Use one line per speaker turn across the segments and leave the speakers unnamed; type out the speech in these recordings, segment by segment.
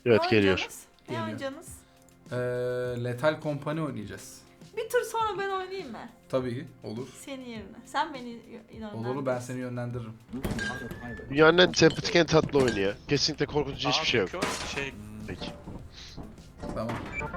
Evet
Ne
geliyor.
oynayacaksınız? Ne
Geliyor.
oynayacaksınız?
Lethal Company oynayacağız.
Bir tur sonra ben oynayayım mı?
Tabii ki olur.
Senin yerine. Sen beni inanın.
Olur, ben seni yönlendiririm.
Dünyanın en sempatik en tatlı oyunu ya. Kesinlikle korkutucu hiçbir şey yok. Peki.
Tamam.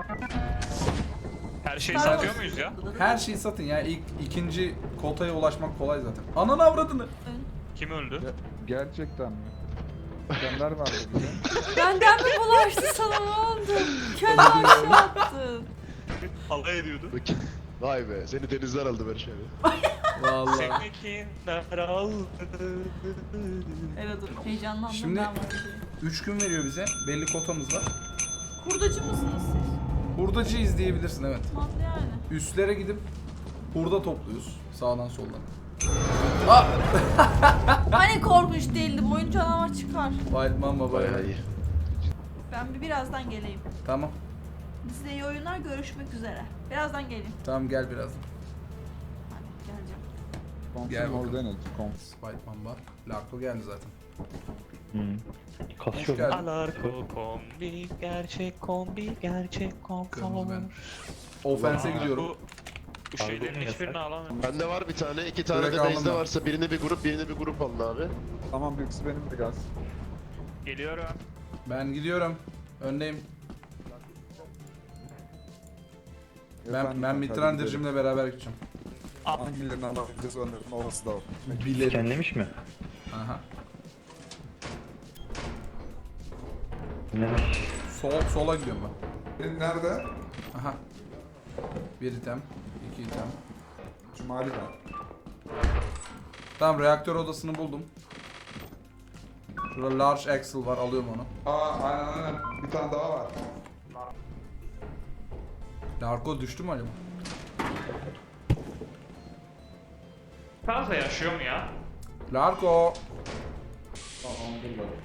Her şeyi
Star
satıyor
Wars.
muyuz ya?
Her şeyi satın ya. İkinci kotaya ulaşmak kolay zaten. Ananı avradını.
Kim öldü?
Gerçekten mi? Gönder vardı bize.
Benden mi bulaştı sana, ne oldu? Kendi aşağı attın.
Alay ediyordu.
Peki. Vay be seni denizler aldı Barış abi.
Vallahi.
Seni kimler aldı?
Evet dur, heyecanlandım
Şimdi-
ben var diye.
3 gün veriyor bize. Belli kotamız var.
Hurdacı mısınız siz?
Hurdacı izleyebilirsin, evet.
Mantıklı yani.
Üstlere gidip hurda topluyoruz. Sağdan soldan.
Hani korkunç değildim, oyun canavar çıkar.
Wild Mamba
Bayağı
bayağı.
iyi.
Ben birazdan geleyim.
Tamam.
Size iyi oyunlar, görüşmek üzere. Birazdan geleyim.
Tamam, gel birazdan.
Hadi geleceğim.
Gel
Confirm
bakalım.
Ordinal.
Wild Mamba. Larko geldi zaten. Hoş
Kasıyor.
geldin.
Alarko kombi, gerçek kombi, gerçek
Kırmızı
konfor.
ben. Offense'e gidiyorum.
Bu şeylerin
Yasak.
hiçbirini alamıyorum.
Bende var bir tane, iki tane
Direkt
de
aldım
base'de
ben.
varsa birini bir grup alın abi.
Tamam birisi benim de gaz.
Geliyorum.
Ben gidiyorum. Öndeyim. Ben Mitrandir'cimle beraber gideceğim.
Hangilerini alabileceğiz onların olası da o.
Bilirim.
Kendilemiş mi?
Aha.
Ne?
Sola gidiyorum ben.
Benim nerede?
Aha. Bir item. İki item.
Cumali var.
Tamam, reaktör odasını buldum. Şurada large axle var, alıyorum onu.
Aynen. Bir tane daha var.
Larko düştü mü acaba?
Fazla yaşıyor mu ya?
Larko!
Tamam dur bak.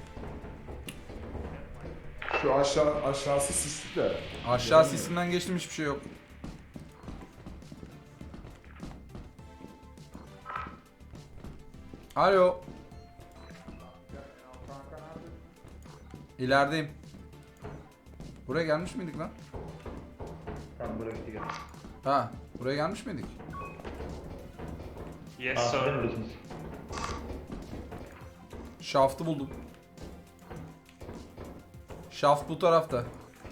Şu aşağısı sisli de.
Aşağı sisinden geçtim, hiçbir şey yok. Alo. İlerideyim. Buraya gelmiş miydik lan?
Tamam bıraktı gel.
Ha, buraya gelmiş miydik?
Yes
Aa,
sir.
biliyorsunuz.
Shaft'ı buldum. Shaft bu tarafta.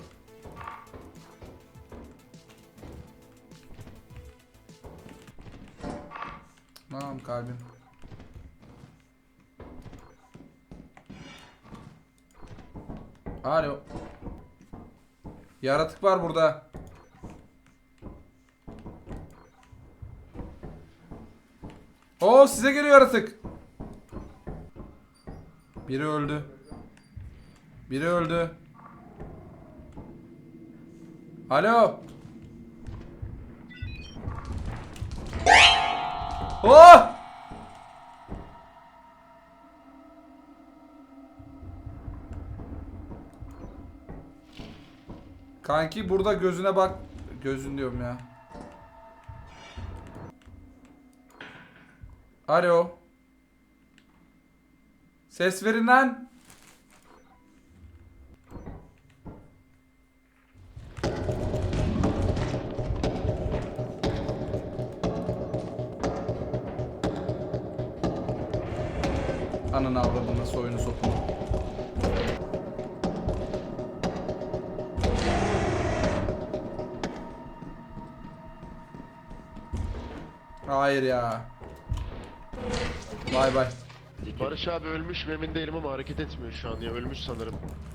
Tamam kalbim. Alo. Yaratık var burada. Oo, size geliyor yaratık. Biri öldü. Biri öldü. Alo. Oh! Kanki burada gözüne bak. Gözün diyorum ya. Alo. Ses verin lan. Ananı avradını, soyunu sokunu. Hayır ya. Bay bay.
Barış abi ölmüş mü emin değilim ama hareket etmiyor şu an ya. Ölmüş sanırım.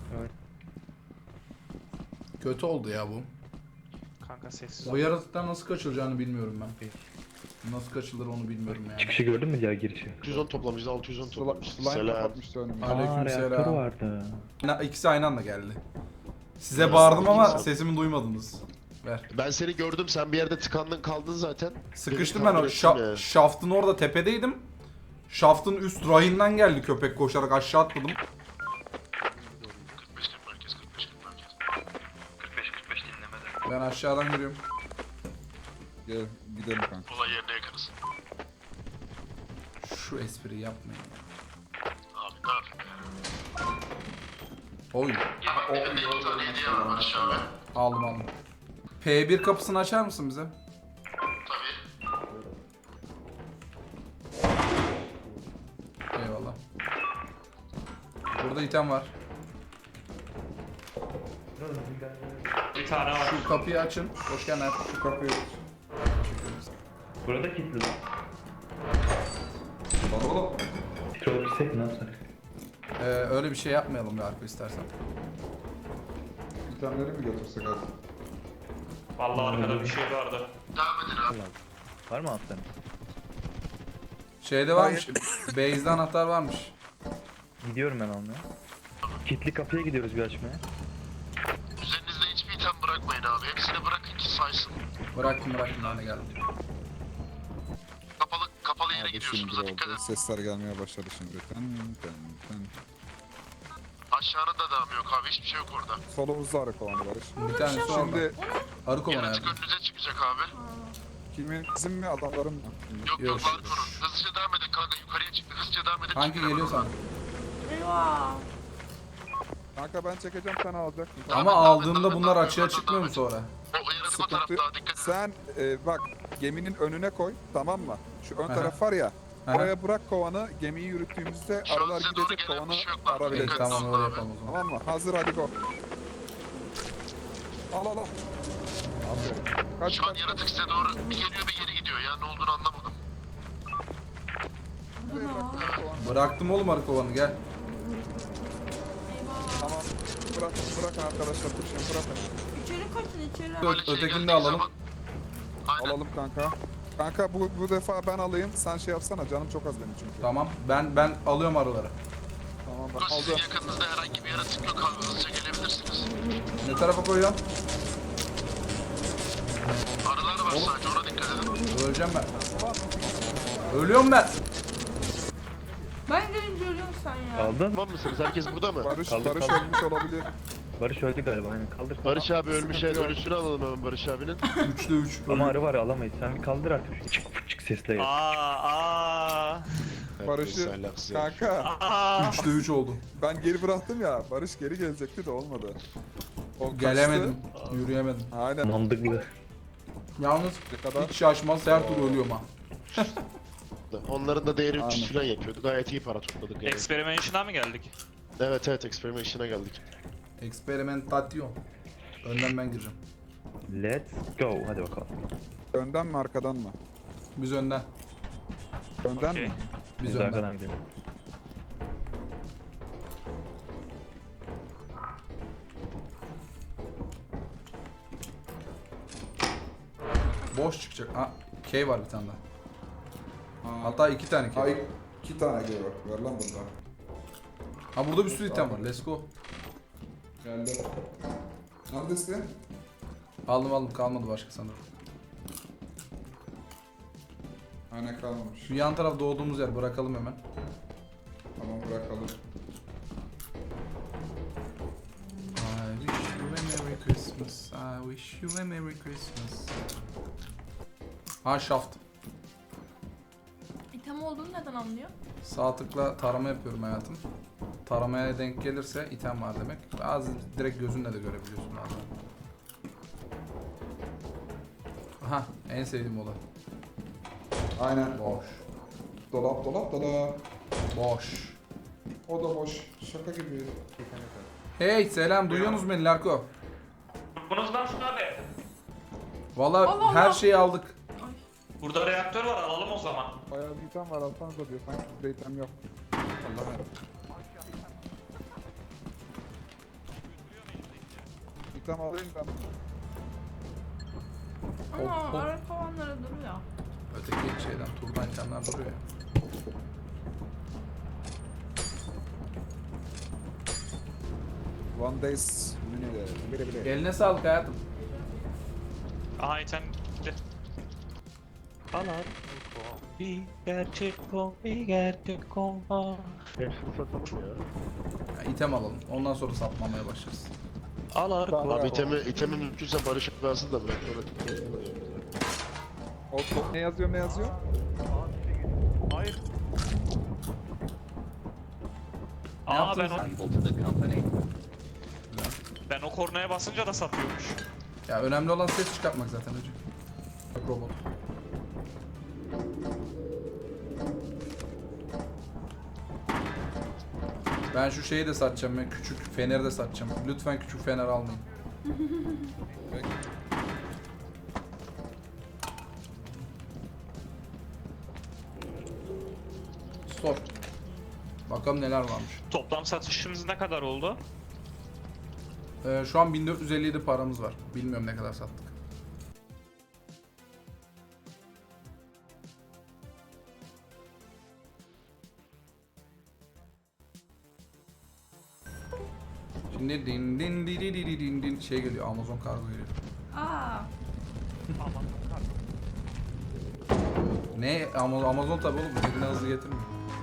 Kötü oldu ya bu.
Kanka sessiz
Bu yaratıktan nasıl kaçılacağını bilmiyorum ben. Nasıl kaçılır onu bilmiyorum yani.
Çıkışı gördün mü ya girişi?
610 toplamışız, 610 toplamışız.
Slime
Selam.
kapatmıştı önümü.
Aleykümselam.
Reaktör vardı.
İkisi aynı anda geldi. Size bağırdım ama sesimi duymadınız. Ver.
Ben seni gördüm, sen bir yerde tıkandın kaldın zaten.
Sıkıştım
Beni
ben o
takip ettin ya.
şaftın orada tepedeydim. Şaftın üst rayından geldi köpek koşarak, aşağı atladım. Ben aşağıdan yürüyorum.
Gel gidelim kanka.
Olay yerine yakınız.
Şu espriyi yapmayın.
Abi ne yapayım ya?
Oy.
Bende 2 tane hediye var Barış abi.
Aldım aldım. P1 kapısını açar mısın bize?
Tabii.
Eyvallah. Burada item var.
Bir tane var.
Şu kapıyı açın. Hoş geldin.
Şu kapıyı
Burada kilitli lan.
Lan oğlum.
Troll pisek ne yapsak?
Öyle bir şey yapmayalım ya Arko istersen.
İtemleri mi götürsek hadi?
Vallahi arkada bir şey vardı.
Devam edin abi.
Var mı alttan?
Şeyde varmış. Base'de anahtar varmış.
Gidiyorum ben almaya. Kilitli kapıya gidiyoruz bir açmaya.
Üzerinizde hiçbir item bırakmayın abi. Hepsini bırakın ki saysın.
Bıraktım ben de geldim.
Kapalı yere
Abi
gidiyorsunuz.
şimdi
Dikkat
oldu.
edin.
Sesler gelmeye başladı şimdi. Ten.
Aşağının da devam yok abi. Hiçbir şey yok orada.
Solumuzda arı kovanı Barış.
Bir tanesi orada.
Şimdi
Arı kovan
Yaratık
hayatım.
önünüze çıkacak abi.
kimin bizim mi adamların mı?
Yok
Yok.
var konun. Hızlıca devam edin kanka. Yukarıya çıktı. Hızlıca devam edin.
Hangi
Çıkın
geliyor
hemen.
sana?
Eyvah.
Kanka ben çekeceğim sen alacaksın.
Ama aldığımda bunlar açığa çıkmıyor mu sonra?
O yaratık o
Sıkıntı.
tarafta. Dikkat edin.
Sen bak geminin önüne koy, tamam mı? Şu ön
Aha.
taraf var ya.
Aha.
Oraya bırak kovanı. Gemiyi yürüttüğümüzde
Şu an
arılar
size doğru
gidecek,
gelen
kovanı
bir şey yok lan.
İyi,
arabilecek.
Dikkat
tamam
edin
öyle
abi.
yapalım o zaman.
Tamam mı? Hazır, hadi go. Al. Aferin. Kaç
Şu an
kaç.
yaratık size doğru bir geliyor bir geri gidiyor ya. Ne olduğunu anlamadım.
Buraya bırak kovanı.
Bıraktım oğlum arı kovanı gel.
Eyvah.
Tamam. Bırakın arkadaşlar. Kuşun bırakın.
İçeri kaçın içeri.
Böyle şey
Ötekini de
geldiği
alalım.
zaman- Aynen.
Alalım kanka. Kanka bu defa ben alayım. Sen şey yapsana. Canım çok az benim çünkü.
Tamam. Ben alıyorum arıları.
Tamam ben
Sizin
aldım.
yakınınızda herhangi bir yaratık yok abi. Hızlıca gelebilirsiniz.
Ne tarafa koyuyorum?
Arılar var sadece. Ona dikkat edin.
Öleceğim ben. Ölüyorum ben.
Ben gelince ölüyorsun sen ya.
Aldın.
Tamam mısınız? Herkes burada mı?
Barış
Kaldır,
ölmüş olabilir.
Barış öldü galiba aynen kaldır.
Barış abi ölmüş. Evet, ölüsünü alalım hemen Barış abinin.
3'te 3.
Ama arı var ya, alamayız. Sen bir kaldır artık şu çık çık sesle ya.
Barış'ı kanka
3'te 3 oldu.
ben geri bıraktım ya. Barış geri gelecekti de olmadı. O kaçtı.
Gelemedim. Yürüyemedim.
Aynen.
Mantıklı.
Yalnız
Ne kadar?
hiç şaşmaz her türlü ölüyorum ha.
Onların da değeri 300
Aynen.
falan yapıyordu. Gayet iyi para topladık yani.
Experimentation'a mı geldik?
Evet, Experimentation'a geldik.
Experimentation. Önden ben gireceğim.
Let's go. Hadi bakalım.
Önden mi arkadan mı?
Biz önden.
Önden
Okey.
mi?
Biz
Biz
önden.
arkadan gidelim.
Boş çıkacak. Ha, K var bir tane daha. Hatta 2 tane K.
Ay 2 tane geliyor. Ver lan burada.
Ha burada bir sürü item var. Let's go.
Geldi. Neredesin?
Aldım kalmadı başka sanırım.
Aynen kalmamış.
Şu yan taraf doğduğumuz yer bırakalım hemen.
Tamam bırakalım.
I wish you a Merry Christmas. I wish you a Merry Christmas. Ha shaft.
İtem olduğunu neden anlıyor?
Sağ tıkla tarama yapıyorum hayatım. Taramaya denk gelirse item var demek. Bazı direkt gözünle de görebiliyorsun bazen. Aha en sevdiğim olay.
Aynen.
Boş.
Dolap.
Boş.
O da boş. Şaka gibi.
Hey selam duyuyorsunuz beni Larko?
Bunuz lan şunu abi.
Valla
Allah
her
Allah.
şeyi aldık.
Burada reaktör var alalım o zaman.
Bayağı bir item var alsanıza diyor. Sanki bizde item yok. Allah'ım. İtem alayım ben.
Ama
Hop, hop.
ara kovanlara duruyor.
Öteki şeyden turdan itemler duruyor ya.
One days. Bile.
Eline sağlık hayatım.
Aha item gitti. Alar. Bir gerçek kombi gerçek kombi.
Hepsini satalım ya.
Ya, item alalım. Ondan sonra satmamaya başlarız.
Alar
Abi itemi mümkünse Barış abi alsın da bırak.
Ne yazıyor?
Hayır.
Ne
Aa ben
yaptınız?
onu... Ben o kornaya basınca da satıyormuş.
Ya önemli olan ses çıkartmak zaten hocam. Robot. Ben şu şeyi de satacağım ya, küçük feneri de satacağım. Lütfen küçük fener almayın.
Peki.
Store. Bakalım neler varmış.
Toplam satışımız ne kadar oldu?
Şu an 1457 paramız var. Bilmiyorum ne kadar sattık. Şimdi din din di di di di din din şey geliyor, Amazon kargo geliyor.
Aa,
Ne? Amazon tabi oğlum, eline hızlı getirmiyor.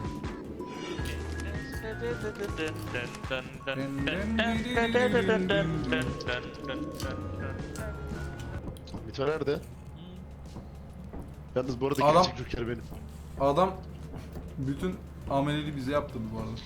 Mito nerede? Yalnız bu arada
Adam-
gerçek Joker benim.
Adam bütün ameliyatı bize yaptırdı bu arada.